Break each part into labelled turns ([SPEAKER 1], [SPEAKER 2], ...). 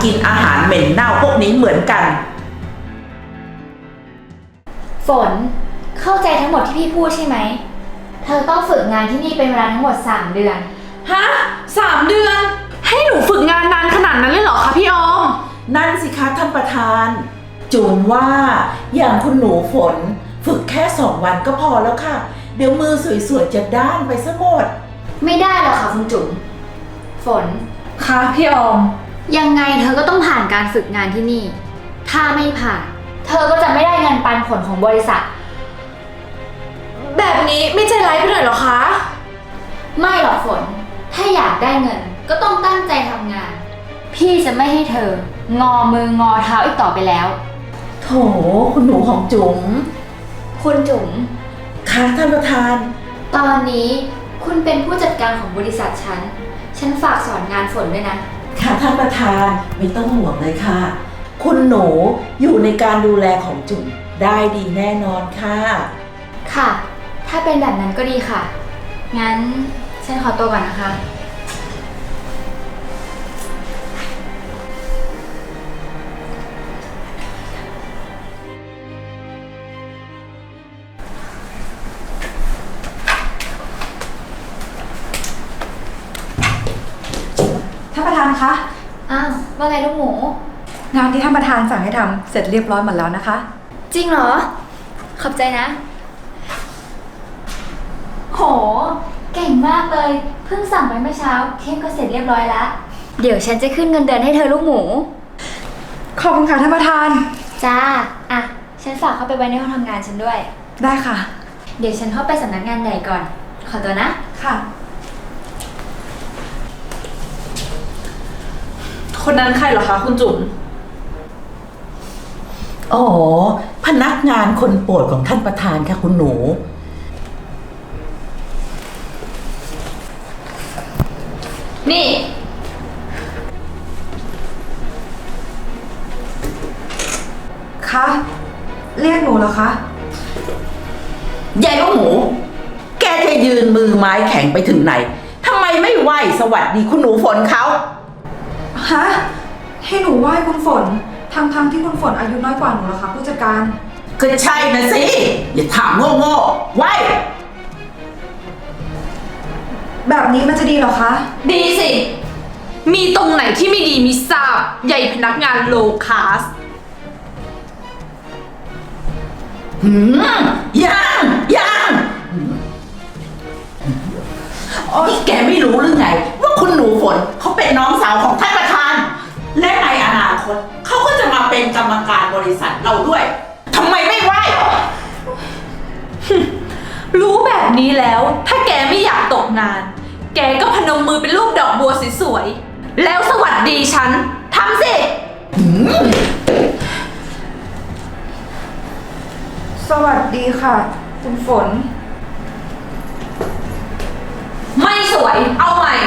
[SPEAKER 1] กินอาหารเหม็นเน่าพวกนี้เหมือนกัน
[SPEAKER 2] ฝนเข้าใจทั้งหมดที่พี่พูดใช่ไหมเธอต้องฝึกงานที่นี่เป็นเวลาทั้งหมด3 เดือน
[SPEAKER 3] ฮะ3 เดือน ให้หนูฝึกงานนานขนาดนั้นเลยเหรอคะพี่ออม
[SPEAKER 1] นั่นสิคะท่านประธานจุ๋มว่าอย่างคุณหนูฝนฝึกแค่2 วันก็พอแล้วค่ะเดี๋ยวมือสวยๆจะด้านไปซะหมด
[SPEAKER 2] ไม่ได้หรอกค่ะคุณจุ๋มฝน
[SPEAKER 3] ค่ะพี่ออม
[SPEAKER 2] ยังไงเธอก็ต้องผ่านการฝึกงานที่นี่ถ้าไม่ผ่านเธอก็จะไม่ได้เงินปันผลของบริษัท
[SPEAKER 3] แบบนี้ไม่ใจร้ายไปหน่อยเหรอคะ
[SPEAKER 2] ไม่หรอกฝนถ้าอยากได้เงินก็ต้องตั้งใจทำงานพี่จะไม่ให้เธองอมืองอเท้าอีกต่อไปแล้ว
[SPEAKER 1] โถคุณหนูของจุ๋ม
[SPEAKER 2] คุณจุ๋ม
[SPEAKER 1] ค่ะท่านประธาน
[SPEAKER 2] ตอนนี้คุณเป็นผู้จัดการของบริษัทฉันฝากสอนงานฝนด้วยนะ
[SPEAKER 1] ค่ะท่านประธานไม่ต้องห่วงเลยค่ะคุณหนูอยู่ในการดูแลของจุ๋มได้ดีแน่นอนค่ะ
[SPEAKER 2] ค่ะถ้าเป็นแบบนั้นก็ดีค่ะงั้นฉันขอตัวก่อนนะคะ
[SPEAKER 4] ท่านประธานคะ
[SPEAKER 2] อ้าวว่าไงลูกหมู
[SPEAKER 4] งานที่ท่านประธานสั่งให้ทำเสร็จเรียบร้อยหมดแล้วนะคะ
[SPEAKER 2] จริงเหรอขอบใจนะโหเก่งมากเลยเพิ่งสั่งไปเมื่อเช้าเค้กก็เสร็จเรียบร้อยแล้วเดี๋ยวฉันจะขึ้นเงินเดือนให้เธอลูกหมู
[SPEAKER 4] ขอบคุณค่ะท่านประธาน
[SPEAKER 2] จ้าอ่ะฉันฝากเข้าไปไว้ในห้องทำงานฉันด้วย
[SPEAKER 4] ได้ค่ะ
[SPEAKER 2] เดี๋ยวฉันเข้าไปสำนักงานใหญ่ก่อนขอตัวนะ
[SPEAKER 4] ค่ะ
[SPEAKER 3] คนนั้นใครเหรอคะคุณจุ๋ม
[SPEAKER 1] อ๋อพนักงานคนโปรดของท่านประธานค่ะคุณหนู
[SPEAKER 3] นี่
[SPEAKER 4] คะเรียกหนูเหรอคะ
[SPEAKER 1] ยายลูกหมูแกจะยืนมือไม้แข็งไปถึงไหนทำไมไม่ไหวสวัสดีคุณหนูฝนเขา
[SPEAKER 4] ฮะให้หนูไหว้คุณฝนทั้งที่คุณฝนอายุน้อยกว่าหนูเหรอคะผู้จัดการ
[SPEAKER 1] ก็ใช่นะสิอย่าถามโง่ๆไหว
[SPEAKER 4] แบบนี้มันจะดีเหรอคะ
[SPEAKER 3] ดีสิมีตรงไหนที่ไม่ดีมิทราบใหญ่พนักงานโลคลาส
[SPEAKER 1] ยังนี่แกไม่รู้หรือไงว่าคุณหนูฝนเขาเป็นน้องสาวของท่านประธานและในอนาคตเขาก็จะมาเป็นกรรมการบริษัทเราด้วยทำไมไม่ไหว
[SPEAKER 3] รู้แบบนี้แล้วถ้าแกไม่อยากตกงานแกก็พนมมือเป็นรูปดอกบัวสวยๆแล้วสวัสดีฉันทำสิ
[SPEAKER 4] สวัสดีค่ะคุณฝน
[SPEAKER 3] ไม่สวยเอาใหม่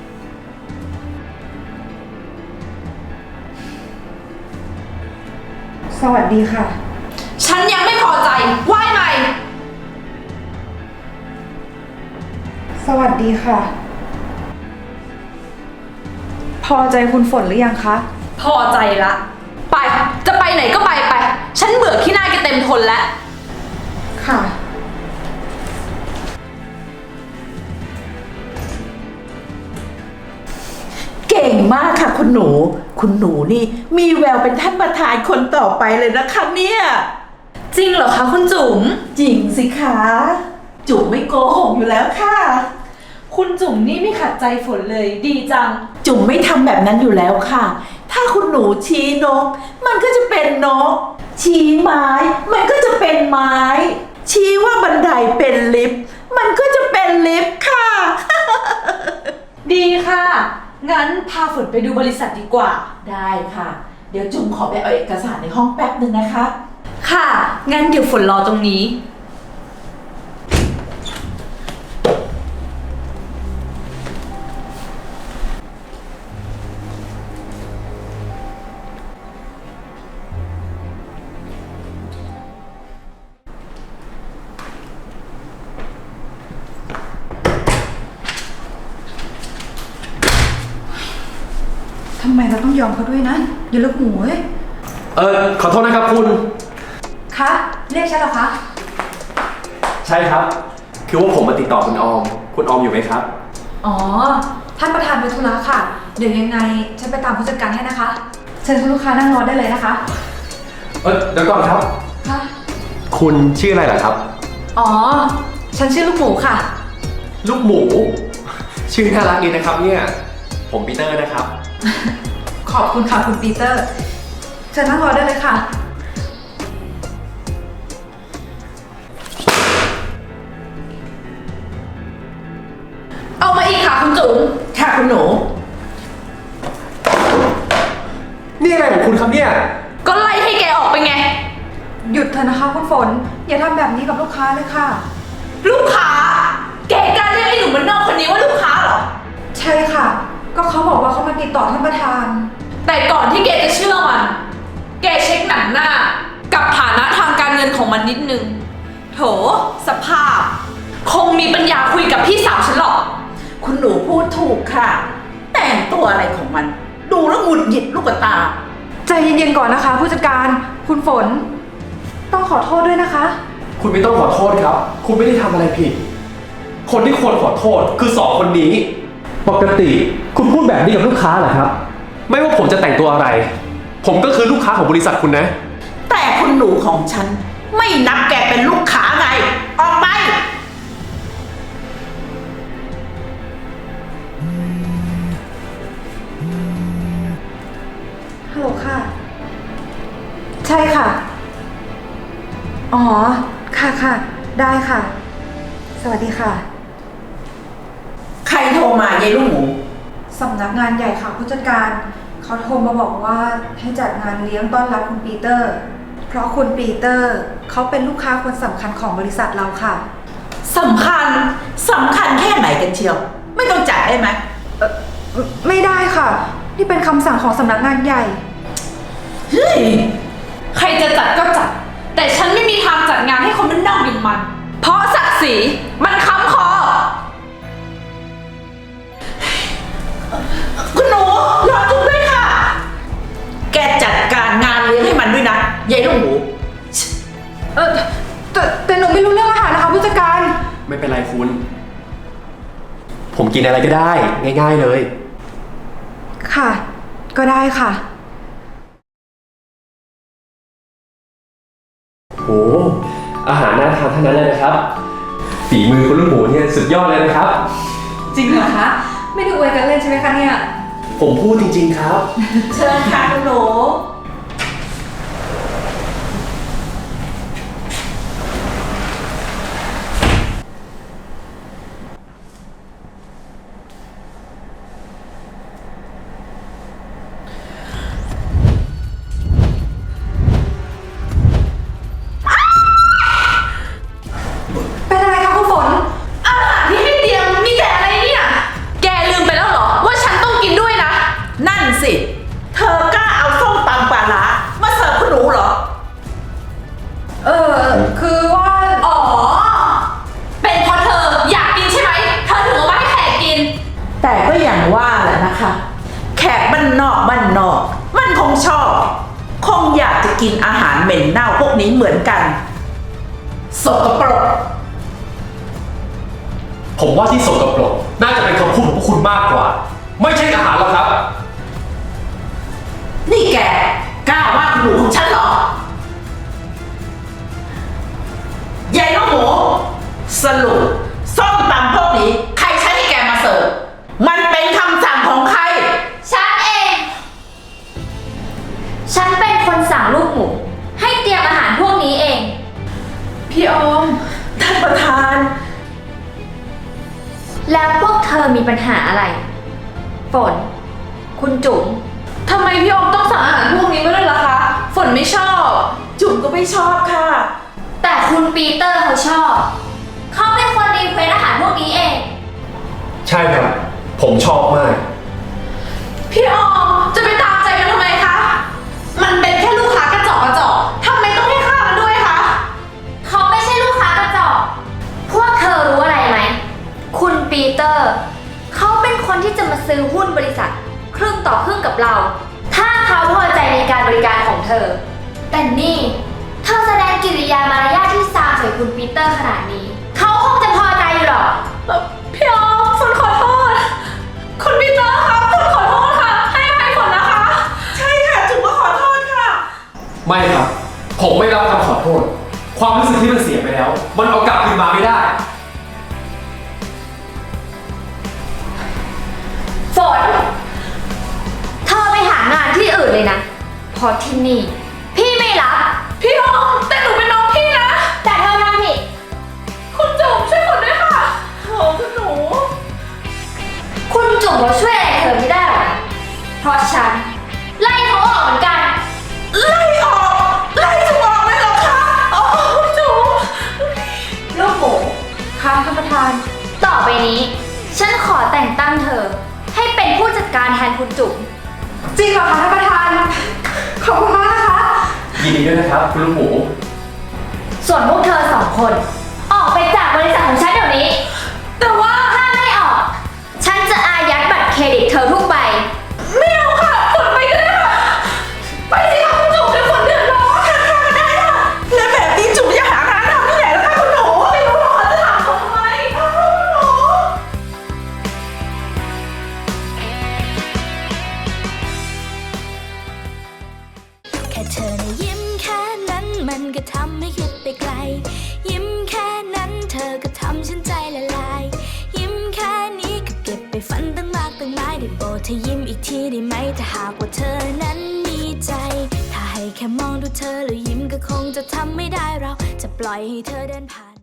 [SPEAKER 4] สวัสดีค่ะ
[SPEAKER 3] ฉันยังไม่พอใจไหว้ใหม่
[SPEAKER 4] สวัสดีค่ะพอใจคุณฝนหรือยังคะ
[SPEAKER 3] พอใจละไปจะไปไหนก็ไปฉันเบื่อขี้หน้าแกเต็มทนแล้ว
[SPEAKER 4] ค่ะ
[SPEAKER 1] เก่งมากค่ะคุณหนูนี่มีแววเป็นท่านประธานคนต่อไปเลยนะคะเนี่ย
[SPEAKER 3] จริงเหรอคะคุณจุ๋ม
[SPEAKER 1] จริงสิคะจุ๋มไม่โกหกอยู่แล้วค่ะ
[SPEAKER 3] คุณจุ๋มนี่ไม่ขัดใจฝนเลยดีจัง
[SPEAKER 1] จุ๋มไม่ทำแบบนั้นอยู่แล้วค่ะถ้าคุณหนูชี้นกมันก็จะเป็นนกชี้ไม้มันก็จะเป็นไม้ชี้ว่าบันไดเป็นลิฟต์มันก็จะเป็นลิฟต์ค่ะ
[SPEAKER 3] ดีค่ะงั้นพาฝนไปดูบริษัทดีกว่า
[SPEAKER 1] ได้ค่ะเดี๋ยวจุ๋มขอไปเอาเอกสารในห้องแป๊บนึงนะคะ
[SPEAKER 3] ค่ะงั้นเดี๋ยวฝนรอตรงนี้
[SPEAKER 4] ทำไมเราต้องยอมเขาด้วยนะอย่าลูกหมูเว้ย
[SPEAKER 5] ขอโทษนะครับคุณ
[SPEAKER 4] คะเรียกฉันเหรอคะ
[SPEAKER 5] ใช่ครับ คือว่าผมมาติดต่อคุณออม คุณออมอยู่ไหมครับ
[SPEAKER 4] อ๋อ ท่านประธานไปธุระค่ะ เดี๋ยวยังไงฉันไปตามผู้จัดการให้นะคะ เชิญคุณลูกค้านั่งรอได้เลยนะคะ
[SPEAKER 5] เดี๋ยวก่อนครับ
[SPEAKER 4] ค่ะ
[SPEAKER 5] คุณชื่ออะไรเหรอครับ
[SPEAKER 4] อ๋อ ฉันชื่อลูกหมูค่ะ
[SPEAKER 5] ลูกหมู ชื่อน่ารักดีนะครับเนี่ย ผมปีเตอร์นะครับ
[SPEAKER 4] ขอบคุณค่ะคุณปีเตอร์ เชิญนั่งรอได้เลยค่ะ
[SPEAKER 3] เอามาอีกค่ะคุณจุ๋ม
[SPEAKER 1] ค่ะคุณหนู
[SPEAKER 5] นี่อะไรของคุณครับเนี่ย
[SPEAKER 3] ก็ไล่ให้แกออกไปไง
[SPEAKER 4] หยุดเถอะนะคะคุณฝน อย่าทำแบบนี้กับลูกค้าเลยค่ะ
[SPEAKER 3] ลูกค้า แกกล้าเรียกไอ้หนุ่มบ้านนอกคนนี้ว่าลูกค้าเหรอ
[SPEAKER 4] ใช่ค่ะ ก็เขาบอกว่าเขามาติดต่อท่านประธาน
[SPEAKER 3] แต่ก่อนที่แกจะเชื่อมัน แกเช็คหนังหน้า กับฐานะทางการเงินของมันนิดนึง โถ สภาพ คงมีปัญญาคุยกับพี่สาวฉันหรอก
[SPEAKER 1] คุณหนูพูดถูกค่ะ แต่งตัวอะไรของมัน ดูแล้วหงุดหงิดลูกตา
[SPEAKER 4] ใจเย็นๆก่อนนะคะ ผู้จัดการ คุณฝน ต้องขอโทษด้วยนะคะ
[SPEAKER 5] คุณไม่ต้องขอโทษครับ คุณไม่ได้ทำอะไรผิด คนที่ควรขอโทษคือสองคนนี้ ปกติคุณพูดแบบนี้กับลูกค้าเหรอครับ ไม่ว่าผมจะแต่งตัวอะไร ผมก็คือลูกค้าของบริษัทคุณนะ
[SPEAKER 1] แต่คุณหนูของฉัน ไม่นับแกเป็นลูกค้าไง ออกไป
[SPEAKER 4] ฮัลโหลค่ะ ใช่ค่ะ อ๋อ ค่ะค่ะ ได้ค่ะ สวัสดีค่ะ
[SPEAKER 1] ใครโทรมายายลูกหมู
[SPEAKER 4] สำนักงานใหญ่ค่ะผู้จัดการ เขาโทรมาบอกว่าให้จัดงานเลี้ยงต้อนรับคุณปีเตอร์ เพราะคุณปีเตอร์เขาเป็นลูกค้าคนสำคัญของบริษัทเราค่ะ
[SPEAKER 1] สำคัญ สำคัญแค่ไหนกันเชียว ไม่ต้องจัดได้ไหม
[SPEAKER 4] ไม่ได้ค่ะ นี่เป็นคำสั่งของสำนักงานใหญ่
[SPEAKER 1] เฮ้ย
[SPEAKER 3] ใครจะจัดก็จัด แต่ฉันไม่มีทางจัดงานให้คนบ้านนอกอย่างมัน เพราะศักดิ์ศรีมันค้ำคอ
[SPEAKER 1] คุณหนูรอจุ๊บด้วยค่ะ แกจัดการงานเลี้ยงให้มันด้วยนะยายลูกหมู
[SPEAKER 4] แต่หนูไม่รู้เรื่องอาหารนะคะผู้จัดการ
[SPEAKER 5] ไม่เป็นไรคุณ ผมกินอะไรก็ได้ ง่ายๆเลย
[SPEAKER 4] ค่ะ ก็ได้ค่ะ
[SPEAKER 5] โอ้อาหารน่าทานทั้งนั้นเลยนะครับ ฝีมือคุณลูกหมูเนี่ยสุดยอดเลยนะครับ
[SPEAKER 4] จริงเหรอคะ ไม่ได้อวยกันเล่นใช่ไหมคะเนี่ย
[SPEAKER 5] ผมพูดจริงๆครับ
[SPEAKER 1] เชิญค่ะคุณหนู
[SPEAKER 4] เป็นอะไรคะคุณฝน
[SPEAKER 3] อาหารที่ให้เตรียมมีแต่อะไรเนี่ย แกลืมไปแล้วเหรอ ว่าฉันต้องกินด้วยนะ
[SPEAKER 1] นั่นสิ เธอกล้าเอาส้มตำปลาร้ามาเสิร์ฟคุณหนูเหรอ
[SPEAKER 4] คือว่า
[SPEAKER 3] อ๋อ เป็นเพราะเธออยากกินใช่ไหม เธอถึงเอามาให้แขกกิน
[SPEAKER 1] แต่ก็อย่างว่าแหละนะคะ แขกบ้านนอกบ้านนอก มันคงชอบ คงอยากจะกินอาหารเหม็นเน่าพวกนี้เหมือนกันสกปรก
[SPEAKER 5] ผมว่าที่สกปรกน่าจะเป็นคำพูดของพวกคุณมากกว่า ไม่ใช่อาหารหรอกครับ
[SPEAKER 1] นี่แกกล้าว่าคุณหนูของฉันเหรอ ยายลูกหมู สรุปส้มตำพวกนี้ ใครใช้ให้แกมาเสิร์ฟ มันเป็นคำสั่งของใคร
[SPEAKER 2] ฉันเอง ฉันเป็นคนสั่งลูกหมู ให้เตรียมอาหารพวกนี้เอง
[SPEAKER 3] พี่ออม
[SPEAKER 1] ท่านประธาน
[SPEAKER 2] แล้วพวกเธอมีปัญหาอะไร ฝน คุณจุ๋ม
[SPEAKER 3] ทำไมพี่ออมต้องสั่งอาหารพวกนี้มาด้วยล่ะคะ ฝนไม่ชอบ
[SPEAKER 1] จุ๋มก็ไม่ชอบค่ะ
[SPEAKER 2] แต่คุณปีเตอร์เขาชอบ เขาเป็นคนรีเควสอาหารพวกนี้เอง
[SPEAKER 5] ใช่ครับ ผมชอบมาก
[SPEAKER 3] พี่ออมจะไปตามใจมันทำไมคะ มันเป็นแค่ลูกค้ากระจอกกระจอกทำไมต้องให้ค่ามันด้วยคะ
[SPEAKER 2] เขาไม่ใช่ลูกค้ากระจอก พวกเธอรู้อะไรไหม คุณปีเตอร์ เขาเป็นคนที่จะมาซื้อหุ้นบริษัท ครึ่งต่อครึ่งกับเราเขาพอใจในการบริการของเธอ แต่นี่เธอแสดงกิริยามารยาทที่ซามใส่คุณปีเตอร์ขนาดนี้ เขาคงจะพอใจอยู่หรอก
[SPEAKER 3] พี่ออมฝนขอโทษ คุณปีเตอร์ครับฝนขอโทษค่ะ ให้อภัยฝนนะคะ
[SPEAKER 1] ใช่ค่ะจุ๋มก็ขอโทษค่ะ
[SPEAKER 5] ไม่ครับ ผมไม่รับคำขอโทษ ความรู้สึกที่มันเสียไปแล้ว มันเอากลับคืนมาไม่ได้
[SPEAKER 2] ฝน เธอไปหางานที่อื่นเลยนะ เพราะที่นี่ พี่ไม่รับ
[SPEAKER 3] พี่ออมแต่หนูเป็นน้องพี่นะ
[SPEAKER 2] แต่เธอทำผิด
[SPEAKER 3] คุณจุ๋มช่วยฝนด้วยค่ะ
[SPEAKER 1] โถคุณหนู
[SPEAKER 2] คุณจุ๋มเขาช่วยอะไรเธอไม่ได้หรอกนะ เพราะฉัน ไล่เขาออกเหมือนกัน
[SPEAKER 1] ไล่ออก ไล่จุ๋มออกเลยเหรอคะโอ้จุ๋ม
[SPEAKER 2] ลูกหมู
[SPEAKER 4] ค่ะท่านประธาน
[SPEAKER 2] ต่อไปนี้ ฉันขอแต่งตั้งเธอ ให้เป็นผู้จัดการแทนคุณจุ๋ม
[SPEAKER 4] จริงเหรอคะท่านประธาน ขอบคุณมากนะคะ
[SPEAKER 5] ยินดีด้วยนะครับ คุณลูกหมู
[SPEAKER 2] ส่วนพวกเธอสองคน ออกไปจากบริษัทของฉันเดี๋ยวนี้
[SPEAKER 3] แต่ว่า
[SPEAKER 2] ถ้าไม่ออก ฉันจะอายัดบัตรเครดิตเธอทุกใบ
[SPEAKER 3] ไม่เอาค่ะฝนไปก็ได้ค่ะ ไปสิคะคุณจุ๋มเดี๋ยวฝนเดือดร้อนค่ะได้ค่ะ
[SPEAKER 1] แล้วแบบนี้จุ๋มจะหางานทำที่ไหนล่ะคะคุณหนู
[SPEAKER 3] ไม่รู้หรอกจะถามผมทำไม
[SPEAKER 6] แค่เธอนะยิ้มแค่นั้นมันก็ทำให้คิดไปไกล ยิ้มแค่นั้นเธอก็ทำฉันใจละลาย ยิ้มแค่นี้ก็เก็บไปฝันตั้งมากตั้งหลายได้โปรดเธอยิ้มอีกทีได้ไหมถ้าหากว่าเธอนั้นมีใจ ถ้าให้แค่มองดูเธอแล้วยิ้มก็คงจะทำไม่ได้เราจะปล่อยให้เธอเดินผ่าน